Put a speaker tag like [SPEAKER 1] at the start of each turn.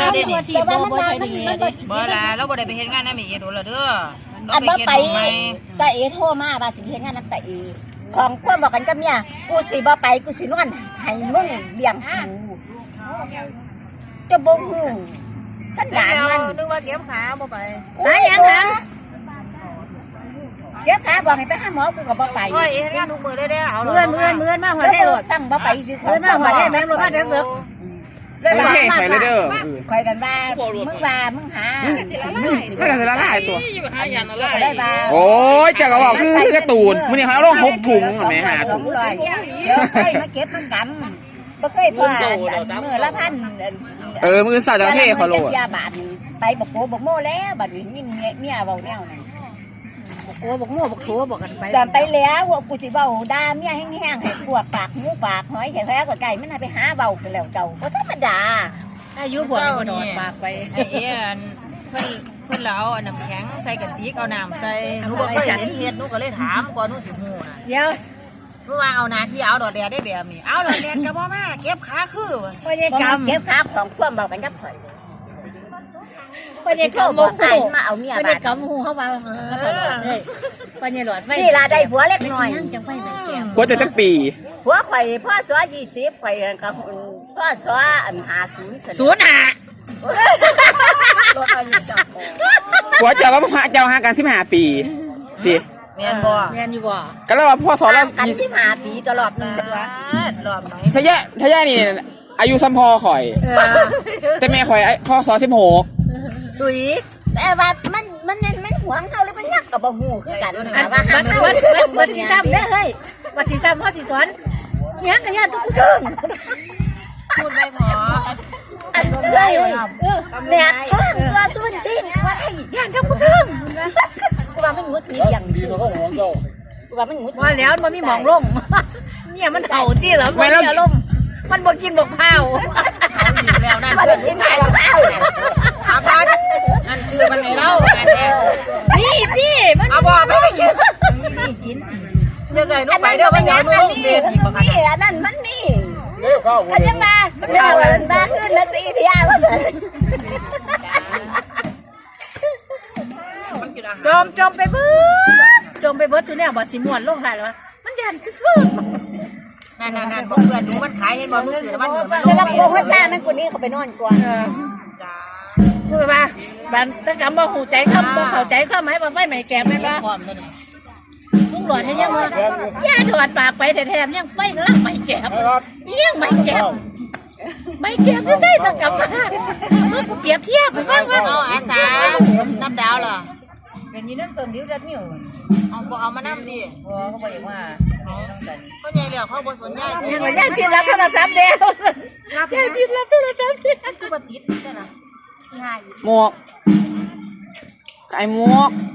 [SPEAKER 1] เด้นี่
[SPEAKER 2] แต่ว่ามันมัน
[SPEAKER 1] บ่ล่ะเราบ่ได้ไปเฮ็ดงานนำเอโดนแล้วเด้อ
[SPEAKER 2] อันบ่ไปตาเอโทรมาว่าสิเฮ็ดงานนำตาเอของความบอกกันกับเมียกูสิบ่ไปกูสินอนให้มึงเลี้ยงกูจะบ่ฮู้ฉันด่ามัน
[SPEAKER 1] นึกว่าเก็บขาบ่ไป
[SPEAKER 2] หาหยังหาเก็บขาบอกให้ไปหาหมอกูก็บ่ไป
[SPEAKER 1] โอ้ยเฮ็ดงานทุกมื้อได้เอา
[SPEAKER 3] เมื่อนมาหัวได้รถ
[SPEAKER 2] ตั้งบ่ไปสิ
[SPEAKER 3] เมื่อนมาหัวได้แม่งรถมาเด้อ
[SPEAKER 2] เลยว่ามาใส่เลยเด้อคอยกันว่ามึงหา
[SPEAKER 4] ไม่กันละลายตัว
[SPEAKER 2] ได้บ่า
[SPEAKER 4] โอ้ยจักรบอกคือการ์ตูนมื้อนี้เขาลง6ถุงแม่หาถุง
[SPEAKER 2] เดี๋ยวใส่มาเก็บมันกันบ่เคยพอมื้อละพัน
[SPEAKER 4] มื้อสาวจะเท่เขาโลด
[SPEAKER 2] ยาบาดไปบอกโกบอกโม่แล้วบัดนี้ยินเมียเว้าแนวนั้น
[SPEAKER 3] บอกโกบอกโม่บอกโถบอกกันไป
[SPEAKER 2] แต่ไปแล้วกูสิเว้าด่าเมียแห้งๆให้พวกปากหูปากหอยแท้ๆก็ไก่มันไปหาเว้ากันแล้วเจ้าบ่ธรรมดา
[SPEAKER 3] อายุบ่บ่นอนปากไป
[SPEAKER 1] ไอ้เพิ่นแล้วน้ำแข็งใส่กะติกเอาน้ำใส่หนูบ่เคยเห็นเฮ็ดหนูก็เลยถามก่อนหนูสิฮู้น่ะ
[SPEAKER 3] เดี๋ยว
[SPEAKER 1] เพราะว่าเอาหน้าที่เอาดอกแดดได้แบบนี้เอาดอกแดดก็บ่มาเก็บขาคือ
[SPEAKER 3] บ่ได้กำ
[SPEAKER 2] เก็บขาของความเว้ากันกับข่อย
[SPEAKER 3] บ่ได้กำบ่ฮู้
[SPEAKER 2] มาเอาเมีย
[SPEAKER 3] บ่ได้กำฮู้เขาว่าเอ้ยบ่ได้หลอดไฟ
[SPEAKER 2] นี่ล่ะได้ผัวเล็กน้อย
[SPEAKER 3] จังไฟแม่แก้ม
[SPEAKER 4] ผัวจะจักปี
[SPEAKER 2] ผัวข่อยพ่อสอ20ข่อยก็พ่อสออัน50ซั่นรถอันนี้จับ
[SPEAKER 4] ผัวเจ้าก็เจ้าหากัน15ปีติ
[SPEAKER 1] แม่นบ่
[SPEAKER 3] แม่นอยู่บ่
[SPEAKER 4] ก็แล้วว่าพ่อสอนเรา
[SPEAKER 2] กัน15ปีตลอดนึง
[SPEAKER 1] รอบไหน
[SPEAKER 4] ทะยะนี่อายุซ้ำพ่อข่อยแต่แม่ข่อยพ่อสอน16
[SPEAKER 2] สุยแต่ว่ามันหวงเฮาหรือมันยักก็บ่ฮู้คือกันว่า
[SPEAKER 3] วัดสิซ้ำเด้อเฮ้ยวัดสิซ้ำพ่อสิสอนยังก็ย่านทุกผู้ซึ่ง
[SPEAKER 1] พูดไม่พอ
[SPEAKER 2] อันเลยเนี่ยตัวสุนทินว่าไอ้
[SPEAKER 3] ย่านทุกผู้ซึ่ง
[SPEAKER 2] กูว่ามันงุดงี้อย่างดีกูว่ามันงุด
[SPEAKER 3] ว่าแล้วมันมีหมองลงเนี่ยมันเห่าจี้เหรอมันมีอารมณ์มันบ่กินบ่ข้าว
[SPEAKER 1] แล้วนั่น
[SPEAKER 2] มันกินข้าว
[SPEAKER 1] อาบานนั่นชื่อมันให้เรา
[SPEAKER 3] นี่พี่มัน
[SPEAKER 1] เอาบ่ไม่ไปยืนจะใส่ลูกไปเด้อมันยาวนุ่งเบียดอีกบ่คะ
[SPEAKER 2] นี่อันนั้นมันนี่กันยังมาเดี๋ยวมาขึ้นละ4เที่ยว่าซั่น
[SPEAKER 3] จมไปเบิดทุเนี่ยบ่สิม่วนลงได้แล้วมันยันคือซื่อ
[SPEAKER 1] นั่นบ่เพื่อนหนูมันขายเห็นบ่หนูซื้อแล้วมันเหนือมัน
[SPEAKER 2] แล้วก็โคซ่ามันกูนี่เขาไปนอนก่อน
[SPEAKER 1] จ้า
[SPEAKER 3] คือว่าบันตะกำบ่หูใจคำบ่เข้าใจคำหมายว่าไฟใหม่แก่แม่นบ่ลุงหลอดให้ยังว่าย่าถอดปากไปแถมยังไฟกำลังใหม่แก่ยังใหม่แก่ไม่แก่ไม่ใช่ตะกำมาเมื่อกูเปรียบเทียบฟังว่า
[SPEAKER 1] อาสาน้ำดาวเหรอ
[SPEAKER 2] เป็นยี่น้ำเติมดิ้วดัดนิ้ว
[SPEAKER 1] เอามาน้ำดิ
[SPEAKER 2] เขาบอกว่า
[SPEAKER 1] เขาใหญ่เหลี่ยเขาบ่สนใจ
[SPEAKER 3] ยังย่าพิมพ์รับโทรศัพท์เดียวย่าพิมพ์รับโทรศัพท์เดียว
[SPEAKER 1] กูปฏิทินใช่ไหมที่ให้
[SPEAKER 4] หมวกไก่หมวก